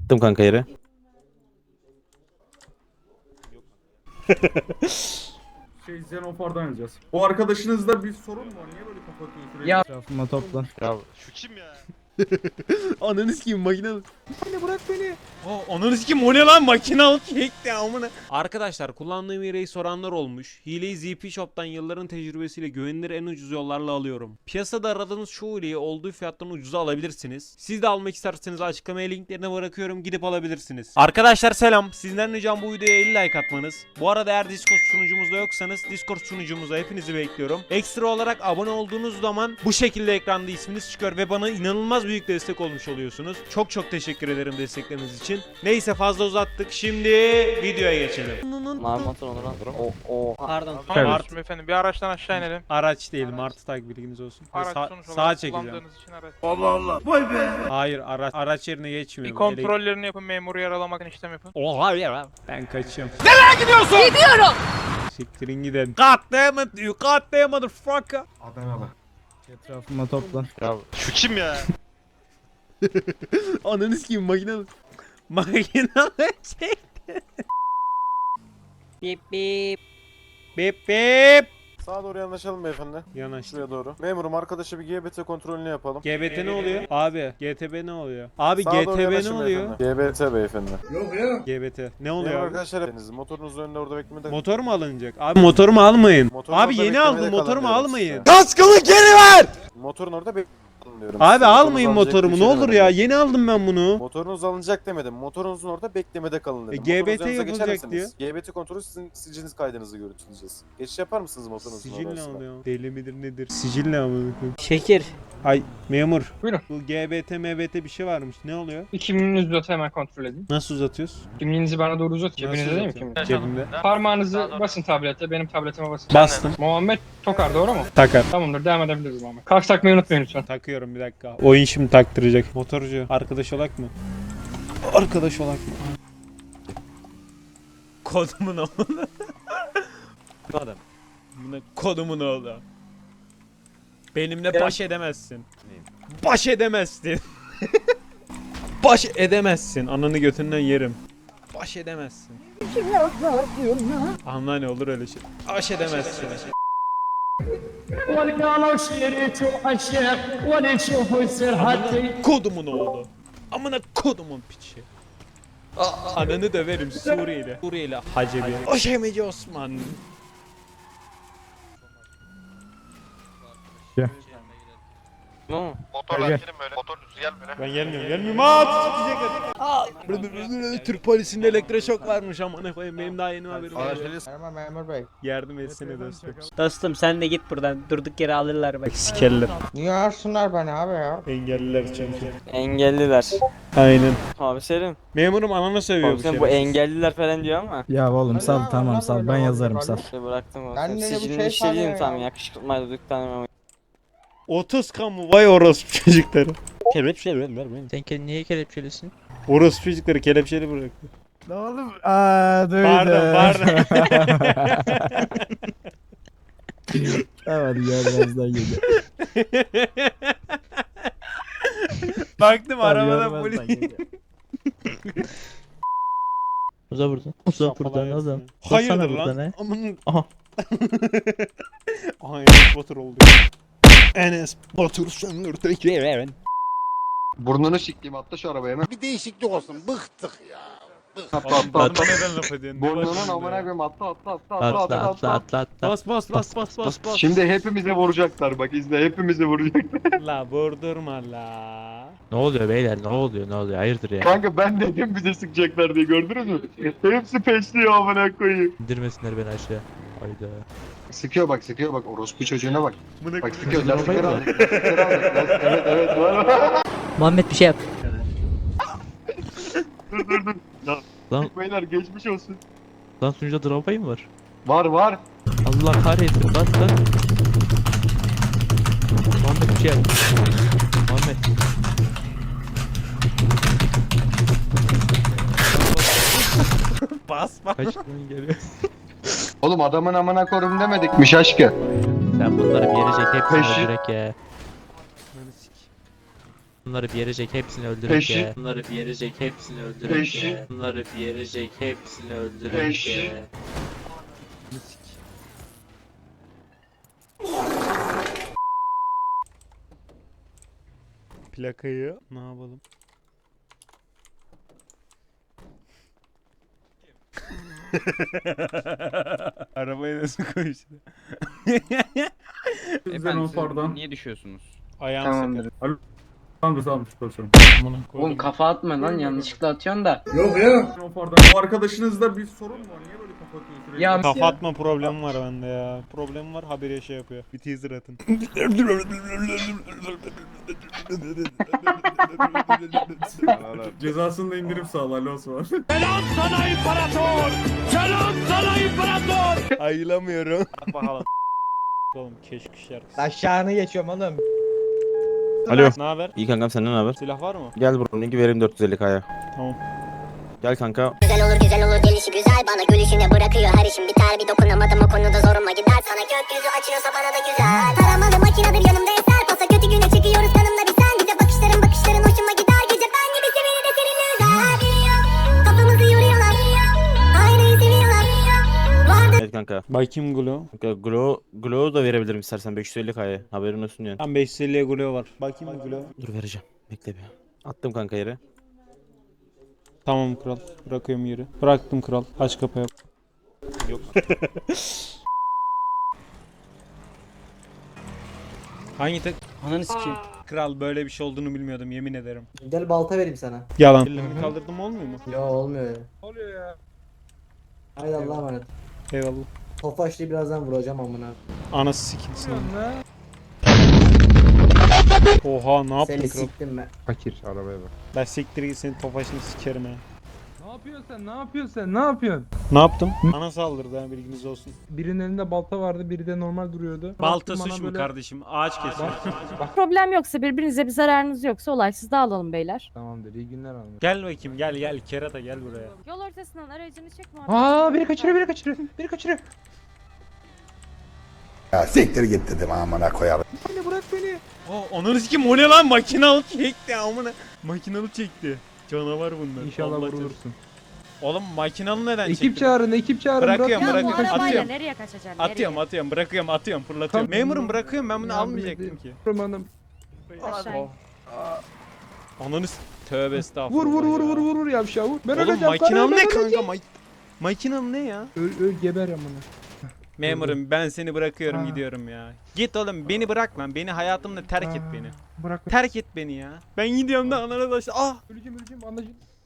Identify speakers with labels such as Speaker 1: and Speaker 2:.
Speaker 1: Attım kanka yere.
Speaker 2: Xenofar'dan yazacağız. O arkadaşınızda bir sorun mu var? Niye böyle kapatıyor sürekli?
Speaker 3: Ya.
Speaker 4: Etrafıma toplan.
Speaker 5: Ya şu kim ya?
Speaker 1: Ananı sikeyim makine.
Speaker 6: Anne bırak beni. Ananı sikim o ne lan, makinalı çekti amına. Arkadaşlar kullandığım hileyi soranlar olmuş. Hileyi ZP Shop'tan yılların tecrübesiyle güvenilir en ucuz yollarla alıyorum. Piyasada aradığınız çoğu hileyi olduğu fiyattan ucuza alabilirsiniz. Siz de almak isterseniz açıklamaya linklerine bırakıyorum, gidip alabilirsiniz. Arkadaşlar selam. Sizden ricam bu videoya 50 like atmanız. Bu arada eğer Discord sunucumuzda yoksanız Discord sunucumuza hepinizi bekliyorum. Ekstra olarak abone olduğunuz zaman bu şekilde ekranda isminiz çıkıyor ve bana inanılmaz büyük destek olmuş oluyorsunuz. Çok çok teşekkür ederim destekleriniz için. Neyse fazla uzattık. Şimdi videoya geçelim.
Speaker 7: Mavi motor olur lan.
Speaker 3: Pardon.
Speaker 5: Tamam efendim, bir araçtan aşağı inelim.
Speaker 6: Araç değil, Martı tak, bilginiz olsun.
Speaker 5: Araç
Speaker 6: Sa-
Speaker 5: sonuç
Speaker 6: sağa
Speaker 5: olarak
Speaker 6: çekeceğim.
Speaker 5: kullandığınız için araç.
Speaker 6: Hayır, araç yerine
Speaker 5: Bir
Speaker 6: geçmiyorum.
Speaker 5: kontrollerini yapın, memuru yaralamak için işlem yapın.
Speaker 6: Oha ya. Ben kaçıyorum. Nereye gidiyorsun? Gidiyorum. Siktirin gidin. God damn it you goddamn motherfucker.
Speaker 2: Adanalı.
Speaker 4: Etrafıma toplan.
Speaker 5: Ya şu kim ya?
Speaker 6: Ananı sikeyim makinalı. Makinalı çekti.
Speaker 3: Bip bip.
Speaker 6: Bip bip.
Speaker 8: Sağa doğru yanaşalım beyefendi.
Speaker 6: Yanaştı.
Speaker 8: Şuraya doğru. Memurum arkadaşı bir GBT kontrolünü yapalım.
Speaker 6: GBT ne oluyor? Abi GTB ne oluyor? Abi
Speaker 8: Sağa doğru
Speaker 6: GTB ne
Speaker 8: yanaşın
Speaker 6: oluyor?
Speaker 8: beyefendi. GBT beyefendi.
Speaker 6: GBT. Ne
Speaker 8: Memur
Speaker 6: oluyor abi?
Speaker 8: arkadaşlar hepiniz motorunuzun önünde orada beklemede.
Speaker 6: Motor mu alınacak? Abi motorumu almayın.
Speaker 8: Motorun
Speaker 6: Abi
Speaker 8: orada
Speaker 6: yeni
Speaker 8: beklemede
Speaker 6: aldım,
Speaker 8: kalın
Speaker 6: motorumu
Speaker 8: diyorum
Speaker 6: almayın.
Speaker 8: size.
Speaker 1: Kaskımı geri ver!
Speaker 8: Motorun orada bekleyin diyorum.
Speaker 6: Abi
Speaker 8: size.
Speaker 6: almayın
Speaker 8: Motorunuz
Speaker 6: motorumu ne
Speaker 8: alınacak
Speaker 6: olur
Speaker 8: diye
Speaker 6: ya.
Speaker 8: demedim.
Speaker 6: Yeni aldım ben bunu.
Speaker 8: Motorunuz alınacak demedim. Motorunuzun orada beklemede kalın dedim.
Speaker 6: GBT
Speaker 8: Motorunuz yanınıza
Speaker 6: yapılacak
Speaker 8: geçer misiniz? GBT kontrolü sizin siciliniz kaydınızı görüntüleyeceğiz. Geçiş yapar mısınız motorunuzun
Speaker 6: Sicil ne
Speaker 8: orasına?
Speaker 6: oluyor? Deli midir nedir? Sicil ne amına koyayım?
Speaker 3: Şekir.
Speaker 6: Ay memur.
Speaker 3: Buyurun.
Speaker 6: Bu GBT MBT bir şey varmış. Ne oluyor?
Speaker 3: Bir kimliğinizi uzat, hemen kontrol edin.
Speaker 6: Nasıl uzatıyoruz?
Speaker 3: Kimliğinizi bana doğru uzat.
Speaker 6: Nasıl
Speaker 3: Cebinizde değil mi
Speaker 6: uzatıyorum?
Speaker 3: kimlik?
Speaker 6: Cebimde.
Speaker 3: Parmağınızı basın tablete. Benim tabletime basın.
Speaker 6: Bastım.
Speaker 3: Muhammed Tokar, doğru mu?
Speaker 6: Takar.
Speaker 3: Tamamdır, devam edebiliriz Muhammed. Kask takmayı unutmayın lütfen.
Speaker 6: Takıyorum bir dakika. Oyun şimdi taktıracak. Motorcu. Arkadaş olak mı? Arkadaş olak mı? Kodumun oğlu. Adam. Buna kodumun oğlu. Benimle baş edemezsin. Baş edemezsin. Baş edemezsin. Ananı götünden yerim. Baş edemezsin. Anla ne olur öyle şey. Baş edemezsin. Kodumun oğlu. Amına kodumun piçi. Ananı döverim Suriyeli. Suriyeli Hacebi. Oşemeci Osman.
Speaker 5: Motorla girin böyle. Motor düz gel böyle.
Speaker 6: Ben gelmiyorum. Gelmiyorum. Türk polisinde elektroşok varmış amına koyayım. Benim daha yeni haberim var.
Speaker 4: Merhaba memur bey.
Speaker 6: Yardım etsene dostum.
Speaker 3: Dostum sen de git buradan. Durduk yere alırlar bak.
Speaker 6: Sikerler.
Speaker 4: Niye arsınlar beni abi ya?
Speaker 6: Engelliler çünkü.
Speaker 7: Engelliler.
Speaker 6: Aynen.
Speaker 7: Abi Selim.
Speaker 6: Memurum ananı seviyor
Speaker 7: Abi sen bu engelliler falan diyor ama.
Speaker 4: Ya oğlum sal tamam sal ben yazarım sal.
Speaker 7: İşte bıraktım o.
Speaker 4: Ben
Speaker 7: Sen
Speaker 4: de bu
Speaker 7: sicilini
Speaker 4: şey
Speaker 7: işlediğim
Speaker 4: sanıyorum
Speaker 7: tamam
Speaker 4: ya.
Speaker 7: yakışıklı dükkanı mı?
Speaker 6: 30 kamu vay orospu çocukları.
Speaker 9: Sen kendini niye kelepçelisin?
Speaker 6: Orospu çocukları kelepçeli bıraktı.
Speaker 4: Ne oğlum? Duydum.
Speaker 6: Pardon.
Speaker 4: Tamam görmezden geliyor.
Speaker 6: Baktım arabada polis.
Speaker 9: Uza buradan. Uza buradan oğlum.
Speaker 6: Hayırdır
Speaker 9: Uzatsana buradan,
Speaker 6: lan?
Speaker 9: he.
Speaker 6: Aman.
Speaker 9: Aha.
Speaker 6: Aha Enes Batur oldu. Enes Batur söndürdü.
Speaker 8: Burnunu siktiğim atla şu arabaya hemen.
Speaker 1: Bir değişiklik olsun. Bıktık ya.
Speaker 8: Atla atla atla.
Speaker 6: Neden laf ediyorsun?
Speaker 8: Burnunun amına koyayım atla atla atla
Speaker 9: Atla atla.
Speaker 6: Bas.
Speaker 8: Şimdi hepimize vuracaklar bak izle hepimizi vuracaklar.
Speaker 6: La vurdurma la.
Speaker 9: Ne oluyor beyler? Ne oluyor? Hayırdır ya?
Speaker 8: Kanka ben dedim bize sıkacaklar diye gördünüz mü? Hepsi peşliyor amına koyayım.
Speaker 9: İndirmesinler beni aşağı. Hayda.
Speaker 8: Sıkıyor bak orospu çocuğuna bak.
Speaker 6: Bunu
Speaker 8: Bak sıkıyor lastikleri alacak. Evet var.
Speaker 3: Muhammed bir şey yap.
Speaker 8: Dur.
Speaker 9: Lan,
Speaker 8: Beyler geçmiş olsun.
Speaker 9: lan sunucuda dropay mı var?
Speaker 8: Var.
Speaker 9: Allah kahretsin lan. Muhammed bir şey yap. Muhammed.
Speaker 6: bas.
Speaker 9: Kaç gün geliyor?
Speaker 8: Oğlum adamın amına korum demedikmiş aşkı.
Speaker 9: Sen bunları bir yere çek hepsini
Speaker 8: Peşi-
Speaker 9: direkt ya. Bunları bir yerecek hepsini öldürür
Speaker 8: Peşi.
Speaker 9: ya. Bunları bir yerecek hepsini öldürür
Speaker 8: Peşi.
Speaker 9: ya. Bunları bir yerecek hepsini öldürür
Speaker 8: Peşi.
Speaker 9: ya.
Speaker 6: Plakayı ne yapalım? Arabaya nasıl koştu?
Speaker 2: Xenofar'dan.
Speaker 5: Niye düşüyorsunuz?
Speaker 6: Ayağım
Speaker 7: Tamamdır.
Speaker 6: sakat.
Speaker 2: Tamam profesörüm.
Speaker 7: Oğlum kafa atma lan yanlışlıkla atıyorsun da.
Speaker 2: Xenofar'dan. O arkadaşınızda bir sorun mu var? Niye böyle kafa atıyor sürekli?
Speaker 7: Ya-
Speaker 6: Kafa atma problemi var bende ya. Problem var habire şey yapıyor. Bir teaser atın.
Speaker 2: Cezasını da indirim sağlar Osman.
Speaker 6: Ayılamıyorum. Bakalım. Oğlum keşke şarkısı.
Speaker 4: Aşağını geçiyorum oğlum.
Speaker 8: Alo.
Speaker 6: Ne haber?
Speaker 8: İyi kankam senden ne haber?
Speaker 6: Silah var mı?
Speaker 8: Gel buranın linki vereyim 450k'ya.
Speaker 6: Tamam.
Speaker 8: Gel kanka.
Speaker 10: Güzel olur gelişi güzel bana gülüşüne bırakıyor her işim biter bir dokunamadım o konuda zoruma gider sana gökyüzü açıyorsa bana da güzel taramalı makinedir yanımda eser pasa kötü güne çıkıyoruz kanımda bir sen bir de bakışların hoşuma gider gece ben gibi sevini de seninle özel kafamızı yoruyorlar aileyi seviyorlar vardı.
Speaker 8: Evet kanka.
Speaker 6: Bakayım Glo.
Speaker 8: Kanka Glow da verebilirim istersen 550k'ya. Haberin olsun yani.
Speaker 6: Tam 550'ye Glo var. Bakayım Glo.
Speaker 8: Dur vereceğim. Bekle bir. Attım kanka yere.
Speaker 6: Tamam kral. Bırakıyorum yeri. Bıraktım kral. Aç kapıyı.
Speaker 8: Yok.
Speaker 6: Hangi tek?
Speaker 3: Ananı sikeyim.
Speaker 6: Kral böyle bir şey olduğunu bilmiyordum yemin ederim.
Speaker 4: Gel balta vereyim sana.
Speaker 6: Yalan. Ellerimi kaldırdım olmuyor mu?
Speaker 4: Yo olmuyor ya.
Speaker 2: Oluyor ya.
Speaker 4: Haydi Allah'a emanet.
Speaker 6: Eyvallah.
Speaker 4: Tofaşlı'yı birazdan vuracağım amına.
Speaker 6: Anası sikilsin. Oha ne yaptın
Speaker 4: Seni
Speaker 6: kral?
Speaker 4: siktim ben.
Speaker 2: Fakir arabaya bak.
Speaker 6: Ben siktir git senin tofaşını sikerim ha.
Speaker 2: Ne yapıyorsun sen? Ne yapıyorsun sen? Ne yapıyorsun?
Speaker 6: Ne yaptım? Bana saldırdı ha bilginiz olsun.
Speaker 2: Birinin elinde balta vardı, biri de normal duruyordu.
Speaker 6: Balta
Speaker 2: Baktım
Speaker 6: suç
Speaker 2: bana
Speaker 6: mu
Speaker 2: böyle-
Speaker 6: kardeşim? Ağaç kesiyor.
Speaker 11: Problem yoksa birbirinize bir zararınız yoksa olaysız dağılalım beyler.
Speaker 2: Tamamdır, iyi günler abi.
Speaker 6: Gel bakayım gel kerata gel buraya.
Speaker 11: Yol ortasından aracını çekme.
Speaker 2: Biri kaçırıyor.
Speaker 1: Ya siktir git dedim amına koyarım.
Speaker 2: Anne bırak beni.
Speaker 6: Ananı sikeyim o ne lan makinalı çekti amına. Makinalı çekti. Canavar bunlar.
Speaker 2: İnşallah
Speaker 6: Allah
Speaker 2: vurulursun.
Speaker 6: Oğlum makinalı neden çekti?
Speaker 2: Ekip çağırın.
Speaker 6: Bırakıyorum,
Speaker 11: Ya bu
Speaker 6: bırakıyorum.
Speaker 11: arabayla
Speaker 6: Atıyorum.
Speaker 11: nereye kaçacaksın?
Speaker 6: Atıyorum bırakıyorum fırlatıyorum. Memurum bırakıyorum ben bunu almayacaktım ki.
Speaker 2: Hanım.
Speaker 11: Aşağı in.
Speaker 6: Ananı tövbe estağfurullah.
Speaker 2: Vur yavşağı vur. Ben
Speaker 6: Oğlum
Speaker 2: öleceğim.
Speaker 6: makinalı
Speaker 2: ben
Speaker 6: ne kanka?
Speaker 2: öleceğim.
Speaker 6: Makinalı ne ya?
Speaker 2: Öl geber amına.
Speaker 6: Memurum ben seni bırakıyorum
Speaker 2: Ha.
Speaker 6: gidiyorum ya. Git oğlum beni bırak lan. Beni hayatımda terk et beni.
Speaker 2: Bırak.
Speaker 6: Terk et beni ya. Ben gidiyorum da anana taşı. Ah!
Speaker 2: Öleceğim anlaşıldı.